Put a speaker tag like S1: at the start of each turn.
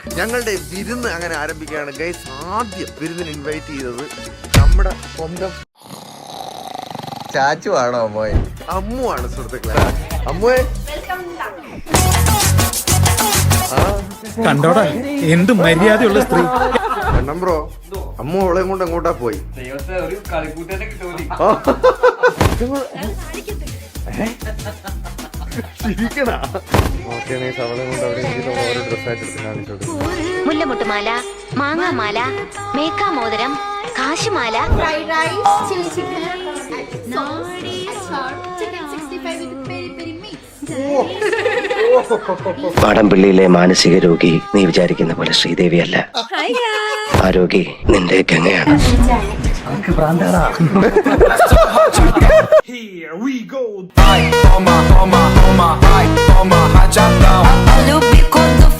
S1: ഞങ്ങളുടെ വിരുന്ന് അങ്ങനെ ആരംഭിക്കുകയാണ് ഗൈസ്. ആദ്യം വിരുന്നിന് ഇൻവൈറ്റ് ചെയ്തത് നമ്മുടെ സ്വന്തം ചാച്ചു ആണോ അമ്മോയെ? അമ്മുവാണ് സുഹൃത്തുക്കളെ. അമ്മുവേ
S2: കണ്ടോടാ എന്ത് മര്യാദയുള്ള സ്ത്രീ.
S1: കണ്ണം ബ്രോ, അമ്മു അവളെയും കൊണ്ട് എങ്ങോട്ടാ പോയി?
S3: മുല്ലമുട്ടുമാല, മാങ്ങാമാല, മേക്കാമോതിരം, കാശുമാല,
S4: fried rice, chilli chicken, chicken 65 with peri peri mix.
S5: മാടമ്പിള്ളിയിലെ മാനസിക രോഗി നീ വിചാരിക്കുന്ന പോലെ ശ്രീദേവിയല്ല. ആ രോഗി നിന്റെ ഗംഗയാണ്.
S2: Here we go.
S6: Toma, toma, toma, ai, toma, rajadão.
S3: Любі коду